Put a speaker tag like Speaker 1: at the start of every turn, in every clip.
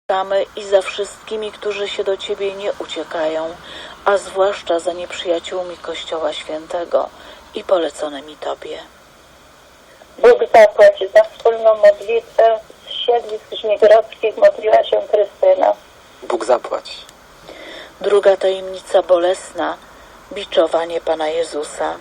Speaker 1: i za wszystkimi, którzy się do Ciebie nie uciekają, a zwłaszcza za nieprzyjaciółmi Kościoła Świętego i poleconymi Tobie.
Speaker 2: Bóg zapłać za wspólną modlitwę z siedlisk żmigrodzkich modliła się Krystyna.
Speaker 3: Bóg zapłać.
Speaker 1: Druga tajemnica bolesna, biczowanie Pana Jezusa.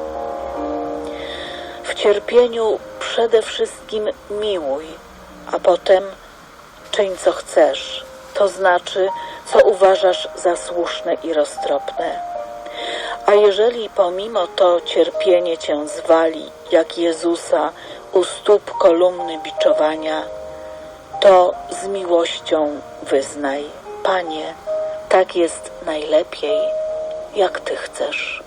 Speaker 1: W cierpieniu przede wszystkim miłuj, a potem czyń co chcesz, to znaczy co uważasz za słuszne i roztropne. A jeżeli pomimo to cierpienie Cię zwali, jak Jezusa u stóp kolumny biczowania, to z miłością wyznaj: Panie, tak jest najlepiej, jak Ty chcesz.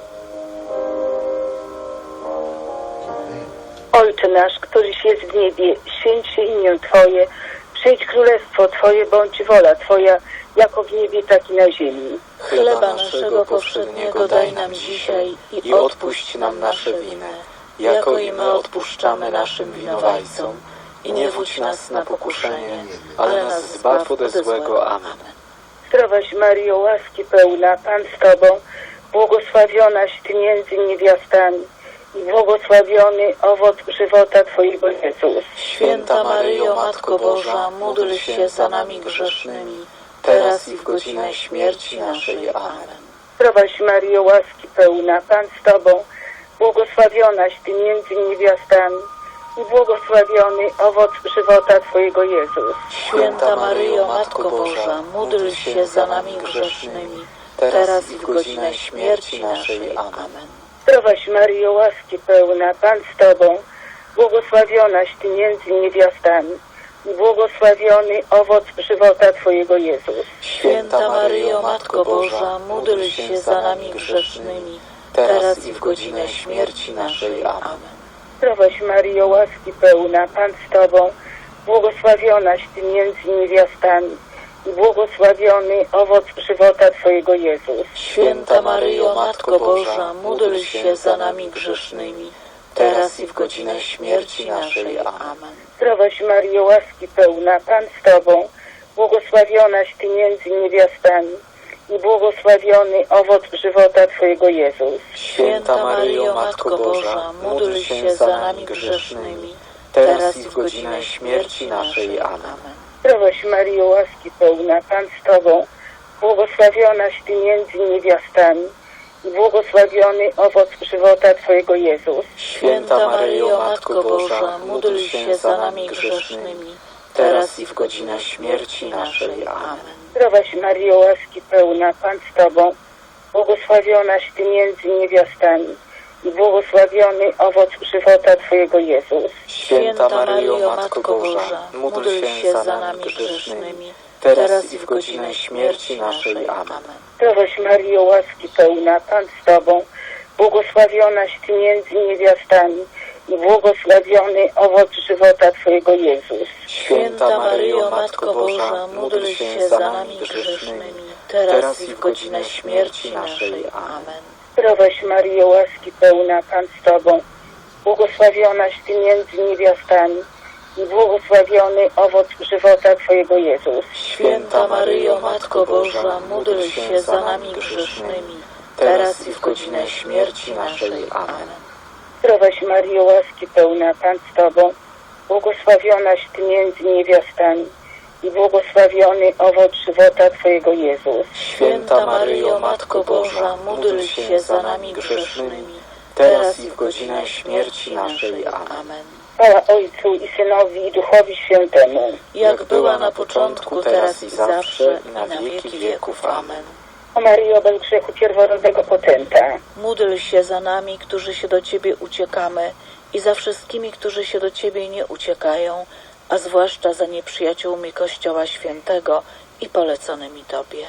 Speaker 2: Ojcze nasz, któryś jest w niebie, święć się imię Twoje, przyjdź królestwo Twoje, bądź wola Twoja, jako w niebie, tak i na ziemi.
Speaker 1: Chleba naszego powszedniego daj nam dzisiaj i odpuść nam nasze winy, jako i my odpuszczamy naszym winowajcom. I nie wódź nas na pokuszenie, ale nas zbaw ode złego. Amen.
Speaker 2: Zdrowaś Maryjo, łaski pełna, Pan z Tobą, błogosławionaś Ty między niewiastami i błogosławiony owoc żywota Twojego Jezus.
Speaker 1: Święta Maryjo, Matko Boża, módl się za nami grzesznymi, teraz i w godzinę śmierci naszej. Amen.
Speaker 2: Zdrowaś Maryjo, łaski pełna, Pan z Tobą, błogosławionaś Ty między niewiastami i błogosławiony owoc żywota Twojego Jezus.
Speaker 1: Święta Maryjo, Matko Boża, módl się za nami grzesznymi, teraz i w godzinę śmierci naszej. Amen.
Speaker 2: Zdrowaś Maryjo, łaski pełna, Pan z Tobą, błogosławionaś Ty między niewiastami i błogosławiony owoc żywota Twojego Jezus.
Speaker 1: Święta Maryjo, Matko Boża, módl się za nami grzesznymi, teraz i w godzinę śmierci naszej. Amen.
Speaker 2: Zdrowaś Maryjo, łaski pełna, Pan z Tobą, błogosławionaś Ty między niewiastami i błogosławiony owoc żywota Twojego Jezus.
Speaker 1: Święta Maryjo, Matko Boża, módl się za nami grzesznymi, teraz i w godzinę śmierci naszej. Amen.
Speaker 2: Zdrowaś Maryjo, łaski pełna, Pan z Tobą, błogosławionaś Ty między niewiastami i błogosławiony owoc żywota Twojego Jezus.
Speaker 1: Święta Maryjo, Matko Boża, módl się za nami grzesznymi, teraz i w godzinę śmierci naszej. Amen.
Speaker 2: Zdrowaś Maryjo, łaski pełna, Pan z Tobą, błogosławionaś Ty między niewiastami i błogosławiony owoc żywota Twojego Jezus.
Speaker 1: Święta Maryjo, Matko Boża, módl się za nami grzesznymi, teraz i w godzinę śmierci naszej. Amen.
Speaker 2: Zdrowaś Maryjo, łaski pełna, Pan z Tobą, błogosławionaś Ty między niewiastami i błogosławiony owoc żywota Twojego Jezus.
Speaker 1: Święta Maryjo, Matko Boża, módl się za nami grzesznymi, teraz i w godzinę śmierci naszej. Amen.
Speaker 2: Zdrowaś Maryjo, łaski pełna, Pan z Tobą, błogosławionaś Ty między niewiastami i błogosławiony owoc żywota Twojego Jezus.
Speaker 1: Święta Maryjo, Matko Boża, módl się za nami grzesznymi, teraz i w godzinę śmierci naszej. Amen.
Speaker 2: Zdrowaś Maryjo, łaski pełna, Pan z Tobą, błogosławionaś Ty między niewiastami i błogosławiony owoc żywota Twojego Jezus.
Speaker 1: Święta Maryjo, Matko Boża, módl się za nami grzesznymi, teraz i w godzinę śmierci naszej. Amen.
Speaker 2: Zdrowaś Maryjo, łaski pełna, Pan z Tobą, błogosławionaś Ty między niewiastami i błogosławiony owoc żywota Twojego Jezus.
Speaker 1: Święta Maryjo, Matko Boża, módl się za nami grzesznymi, teraz i w godzinę śmierci naszej. Amen.
Speaker 2: Chwała Ojcu i Synowi i Duchowi Świętemu,
Speaker 1: Jak była na początku, teraz i zawsze, i na wieki wieków. Amen.
Speaker 2: o Maryjo, bez grzechu pierworodnego potęta,
Speaker 1: Módl się za nami, którzy się do Ciebie uciekamy, i za wszystkimi, którzy się do Ciebie nie uciekają, a zwłaszcza za nieprzyjaciółmi Kościoła Świętego i poleconymi Tobie.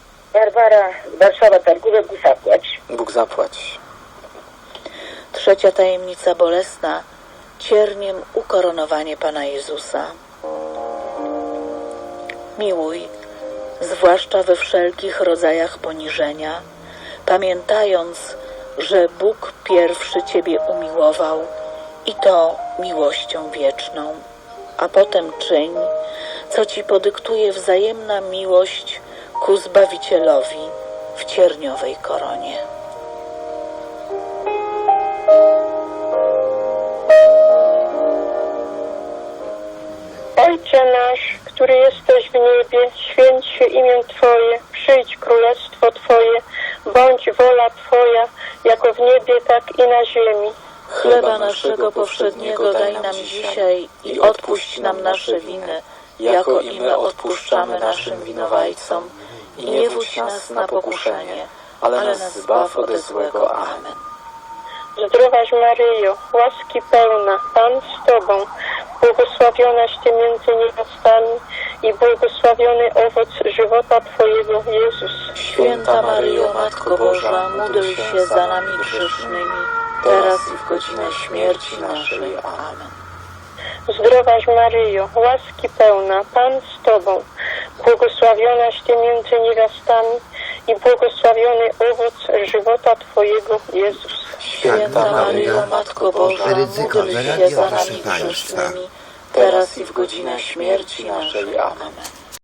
Speaker 2: Barbara z Warszawa, Targówek, Bóg zapłać.
Speaker 3: Bóg zapłać.
Speaker 1: Trzecia tajemnica bolesna, cierniem ukoronowanie Pana Jezusa. Miłuj, zwłaszcza we wszelkich rodzajach poniżenia, pamiętając, że Bóg pierwszy Ciebie umiłował i to miłością wieczną, a potem czyń, co Ci podyktuje wzajemna miłość ku Zbawicielowi w cierniowej koronie.
Speaker 4: Ojcze nasz, który jesteś w niebie, święć się imię Twoje, przyjdź królestwo Twoje, bądź wola Twoja, jako w niebie, tak i na ziemi.
Speaker 1: Chleba naszego powszedniego daj nam dzisiaj i odpuść nam nasze winy, jako i my odpuszczamy naszym winowajcom. I nie wódź nas na pokuszenie, ale nas zbaw ode złego. Amen.
Speaker 4: Zdrowaś Maryjo, łaski pełna, Pan z Tobą, błogosławionaś Ty między niewiastami i błogosławiony owoc żywota Twojego, Jezus.
Speaker 1: Święta Maryjo, Matko Boża, módl się za nami grzesznymi, teraz i w godzinę śmierci naszej. Amen.
Speaker 4: Zdrowaś Maryjo, łaski pełna, Pan z Tobą, błogosławionaś Ty między niewiastami i błogosławiony owoc żywota Twojego, Jezus.
Speaker 1: Święta Maryjo, Matko Boża, módl się za nami grzesznymi, teraz i w godzinę śmierci naszej. Amen.